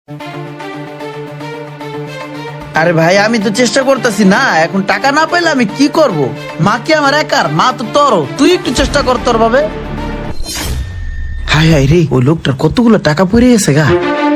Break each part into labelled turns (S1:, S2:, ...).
S1: আরে ভাই আমি তো চেষ্টা করতেছি না, এখন টাকা না পাইলে আমি কি করব? মা কি আমার একার? মা তো তোরও, তুই একটু চেষ্টা কর তোর ভাবে। হাই হাই রে, ওই লোকটার কতগুলো টাকা পড়ে গেছে গা।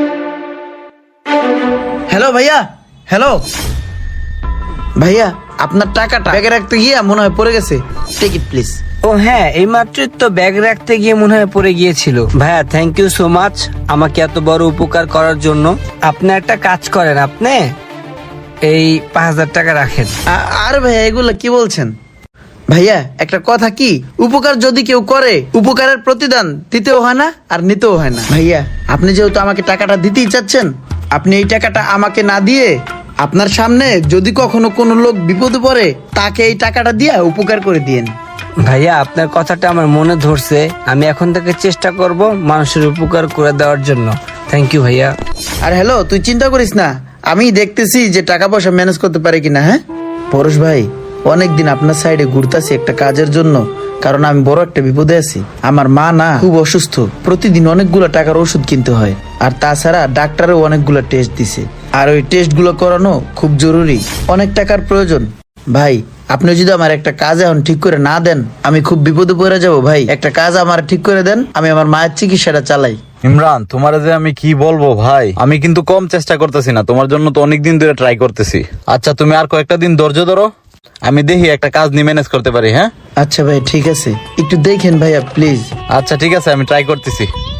S1: হ্যালো ভাইয়া, হ্যালো ভাইয়া, আপনার টাকাটা ব্যাগে রাখতে গিয়ে মনে হয় পড়ে গেছে, টেক ইট প্লিজ।
S2: ও হ্যাঁ, এই মাত্রই তো ব্যাগ রাখতে গিয়ে মনে হয় পড়ে গিয়েছিল। ভাইয়া থ্যাংক ইউ সো মাচ আমাকে এত বড় উপকার করার জন্য। আপনি একটা কাজ করেন, আপনি এই 5,000 টাকা রাখেন।
S1: আরে ভাইয়া এগুলো কি বলছেন? ভাইয়া একটা কথা কি, উপকার যদি কেউ করে উপকারের প্রতিদান দিতেও হয় না আর নিতেও হয় না। ভাইয়া আপনি যেহেতু আমাকে টাকাটা দিতেই চাচ্ছেন, আপনি এই টাকাটা আমাকে না দিয়ে আপনার সামনে যদি কখনো কোনো লোক বিপদে পড়ে তাকে এই টাকাটা দিয়ে উপকার করে দিয়েন।
S2: ভাইয়া আপনার কথাটা আমার মনে ধরছে, আমি এখন থেকে চেষ্টা করব মানুষের উপকার করে দেওয়ার জন্য। থ্যাংক ইউ ভাইয়া।
S1: আর হ্যালো, তুই চিন্তা করিস না, আমি দেখতেছি যে টাকা পয়সা ম্যানেজ করতে পারি কিনা। হ্যাঁ পরশ ভাই, অনেকদিন আপনার সাইডে ঘুরতাছি একটা কাজের জন্য, কারণ আমি বড় একটা বিপদে আছি। আমার মা না খুব অসুস্থ, প্রতিদিন অনেকগুলো টাকার ওষুধ কিনতে হয়, আর তাছাড়া ডাক্তারও অনেকগুলো টেস্ট দিছে, আর ওই টেস্ট গুলো করানো খুব জরুরি, অনেক টাকার প্রয়োজন। ভাই আপনি যদি আমার একটা কাজ এখন ঠিক করে না দেন আমি খুব বিপদে পড়ে যাব। ভাই একটা কাজ আমার ঠিক করে দেন, আমি আমার মায়ের চিকিৎসাটা চালাই।
S3: ইমরান, তোমার যে আমি কি বলবো ভাই, আমি কিন্তু কম চেষ্টা করতেছি না, তোমার জন্য তো অনেকদিন ধরে ট্রাই করতেছি। আচ্ছা তুমি আর কয়েকটা দিন ধৈর্য ধরো, আমি দেখি একটা কাজ নিয়ে ম্যানেজ করতে পারি। হ্যাঁ
S1: আচ্ছা ভাই ঠিক আছে, একটু দেখেন ভাইয়া প্লিজ।
S3: আচ্ছা ঠিক আছে, আমি ট্রাই করতেছি।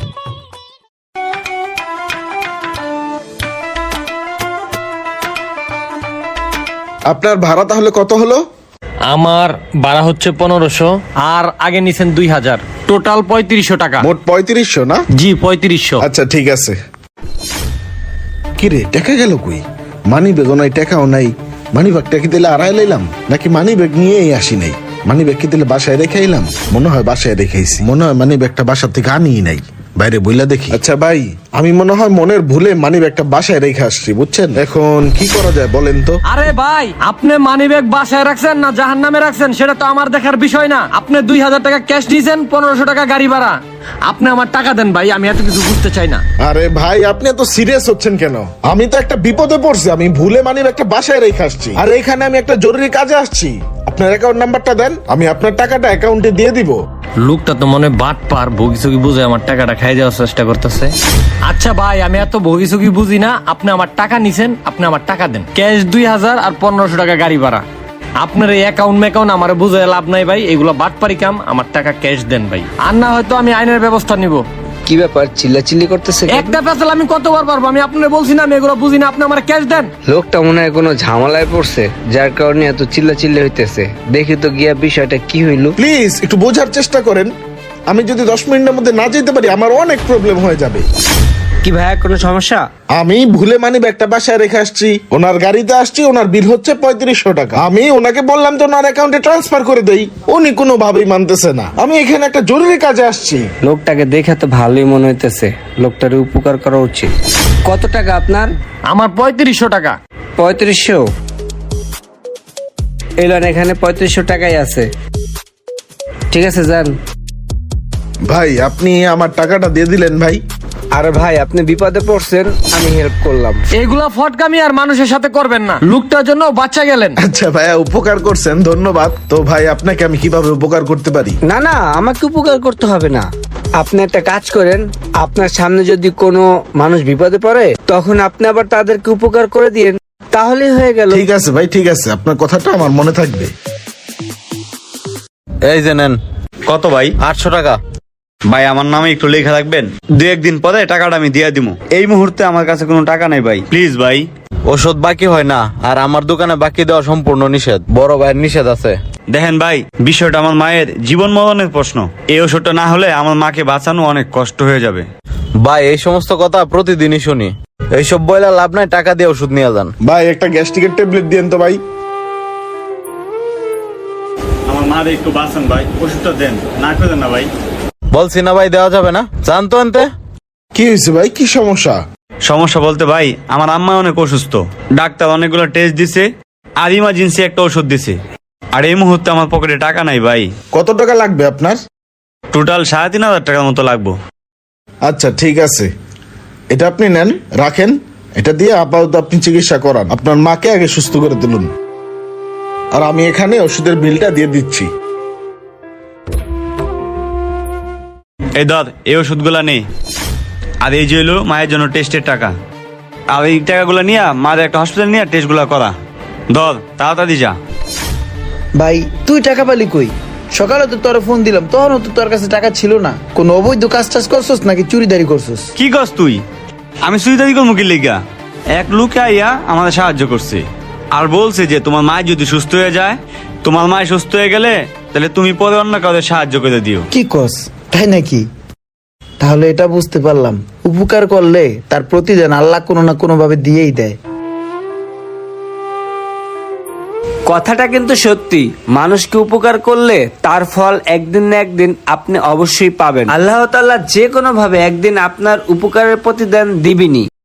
S4: আপনার ভাড়া তাহলে কত হলো?
S5: আমার ভাড়া হচ্ছে 1500, আর আগে নিছেন 2000, টোটাল 3500 টাকা।
S4: মোট 3500 না?
S5: জি 3500।
S4: আচ্ছা ঠিক আছে। কিরে টাকা গেল কই? মানি ব্যাগও নাই, টাকাও নাই। মানি ব্যাগটা কি দিলে আড়াই লাইলাম, নাকি মানি ব্যাগ নিয়েই আসি নাই? মানি ব্যাগ কি দিলে বাসায় রেখে আইলাম? মনে হয় বাসায় রেখেছি, মনে হয় মানি ব্যাগটা বাসা থেকে আনিই নাই, বাইরে বইলা দেখি। আচ্ছা ভাই, আমি মনে হয় মনের ভুলে মানি ব্যাগটা বাসায় রেখে আসছি, বুঝছেন? এখন কি করা যায় বলেন তো?
S5: আরে ভাই, আপনি মানিব্যাগ বাসায় রাখছেন না জাহান্নামে রাখছেন সেটা তো আমার দেখার বিষয় না। আপনি 2000 টাকা ক্যাশ দিয়েছেন, 1500 টাকা গাড়ি ভাড়া। আপনি আমার টাকা দেন ভাই, আমি এত কিছু বুঝতে চাই না।
S4: আরে ভাই আপনি এত সিরিয়াস হচ্ছেন কেন? আমি তো একটা বিপদে পড়ছি, আমি ভুলে মানি ব্যাগটা বাসায় রেখে আসছি, আর এখানে আমি একটা জরুরি কাজে আসছি। আপনার অ্যাকাউন্ট নাম্বারটা দেন, আমি আপনার টাকাটা অ্যাকাউন্টে দিয়ে দিব।
S5: লোকটা তো মনে বাট পার, ভোগিচুকি বুঝে আমার টাকাটা খাই দেওয়ার চেষ্টা করতেছে। আচ্ছা ভাই, আমি এত ভোগিচুকি বুঝি না, আপনি আমার টাকা নিছেন, আপনি আমার টাকা দেন। ক্যাশ 2000 আর 1500 টাকা গাড়ি ভাড়া। আপনার এই অ্যাকাউন্ট ম্যাকাউন্ট আমার বুঝে লাভ নাই ভাই, এগুলো বাটপারি কাম। আমার টাকা ক্যাশ দেন ভাই, আর না হয়তো আমি আইনের ব্যবস্থা নিব।
S2: কি ব্যাপার চিল্লাচিল্লি করতেছে কেন?
S5: একটা পেছাল আমি কতবার পারবো? আমি আপনার বলছি না আমি এগুলো বুঝি না, আপনি আমার ক্যাশ দেন।
S2: লোকটা মনে হয় কোনো ঝামেলায় পড়ছে, যার কারণে এত চিল্লাচিল্লি হইতেছে। দেখি তো গিয়া বিষয়টা কি হইলো।
S4: প্লিজ একটু বোঝার চেষ্টা করেন, আমি যদি 10 মিনিটের মধ্যে না যেতে পারি আমার অনেক প্রবলেম হয়ে যাবে।
S2: কি ভাইয়া কোনো সমস্যা?
S4: আমি ভুলে মানি ব্যাগটা বাসায় রেখে আসছি, ওনার গাড়িতে আসছি, ওনার বিল হচ্ছে 3500 টাকা। আমি ওনাকে বললাম যে ওনার অ্যাকাউন্টে ট্রান্সফার করে দেই, উনি কোনোভাবেই মানতেছে না। আমি এখানে একটা জরুরি কাজে আসছি।
S2: লোকটাকে দেখে তো ভালোই মনে হইতেছে, লোকটার উপকার করা উচিত। কত টাকা আপনার?
S5: আমার 3500 টাকা।
S2: 3500? এলেন, এখানে 3500 টাকাই আছে। ঠিক আছে যান।
S4: ভাই আপনি আমার টাকাটা দিয়ে দিলেন ভাই।
S2: আরে ভাই আপনি বিপদে পড়ছেন, আমি হেল্প করলাম।
S5: এইগুলা ফটকামি আর মানুষের সাথে করবেন না, লোকটার জন্য বাচ্চা গেলেন।
S4: আচ্ছা ভাইয়া, উপকার করছেন, ধন্যবাদ। তো ভাই আপনাকে আমি কিভাবে উপকার করতে পারি?
S2: না না, আমাকে উপকার করতে হবে না। আপনি একটা কাজ করেন, আপনার সামনে যদি কোনো মানুষ বিপদে পড়ে তখন আপনি আবার তাদেরকে উপকার করে দিয়েন, তাহলেই হয়ে গেল।
S4: ঠিক আছে ভাই, ঠিক আছে, আপনার কথাটা আমার মনে থাকবে।
S3: এই যে নেন।
S6: কত ভাই?
S3: 800 টাকা।
S6: ভাই আমার নামে একটু লেখা রাখবেন, 2-1 দিন পরে টাকাটা আমি দিয়ে দিব। এই মুহূর্তে আমার কাছে কোনো টাকা নাই ভাই, প্লিজ ভাই।
S3: ওষুধ বাকি হয় না, আর আমার দোকানে বাকি দেওয়া সম্পূর্ণ নিষেধ, বড় ভাইয়ের নিষেধ আছে।
S6: দেখেন ভাই, বিষয়টা আমার মায়ের জীবন মরণের প্রশ্ন। এই ওষুধটা না হলে আমার মাকে বাঁচানো অনেক কষ্ট হয়ে যাবে।
S3: ভাই এই সমস্ত কথা প্রতিদিনই শুনি, এইসব বইলা লাভ নাই, টাকা দিয়ে ওষুধ নিয়ে যান।
S4: ভাই একটা গ্যাস্ট্রিকের ট্যাবলেট দিয়েন তো ভাই।
S6: আমার মারে একটু বাঁচান ভাই, ওষুধটা দেন, না করেন না ভাই।
S3: বলছি না ভাই, দেওয়া যাবে না, জানতো আনতে।
S4: কি হয়েছে ভাই, কি সমস্যা?
S6: সমস্যা বলতে ভাই, আমার আম্মা অনেক অসুস্থ, ডাক্তার অনেকগুলো টেস্ট দিছে, আর ইমার্জেন্সি একটা ওষুধ দিছে, আর এই মুহূর্তে আমার পকেটে টাকা নাই ভাই।
S4: কত টাকা লাগবে আপনার?
S6: টোটাল 3500 টাকার মতো লাগবো।
S4: আচ্ছা ঠিক আছে, এটা আপনি নেন, রাখেন। এটা দিয়ে আপাতত আপনি চিকিৎসা করান, আপনার মাকে আগে সুস্থ করে তুলুন, আর আমি এখানে ওষুধের বিলটা দিয়ে দিচ্ছি।
S6: এই ধর, এই ওষুধগুলা নেই, আর এই যে হলো মায়ের জন্য টেস্টের টাকা, আর এই টাকাগুলো নিয়ে মায়ের একটা হসপিটাল নিয়ে টেস্টগুলো করা। ধর, তাড়াতাড়ি যা।
S1: ভাই তুই টাকা পালি কই? সকালে তো তোর ফোন দিলাম, তখনও তো তোর কাছে টাকা ছিল না। কোন অবৈধ কাজ টাজ করছস নাকি চুরিদারি করছস?
S6: কি করস তুই? আমি সুইদারি করবো কি লেগা? এক লোক আইয়া আমাদের সাহায্য করছে, আর বলছে যে তোমার মা যদি সুস্থ হয়ে যায়, তোমার মা সুস্থ হয়ে গেলে তাহলে তুমি পরে অন্য কাউকে সাহায্য করে দিও।
S1: কি কস, তাই নাকি? তাহলে এটা বুঝতে পারলাম, উপকার করলে তার প্রতিদান আল্লাহ কোনো না কোনো ভাবে দিয়েই দেয়।
S2: কথাটা কিন্তু সত্যি, মানুষকে উপকার করলে তার ফল একদিন না একদিন আপনি অবশ্যই পাবেন। আল্লাহ তাআলা যে কোনো ভাবে একদিন আপনার উপকারের প্রতিদান দিবেনই।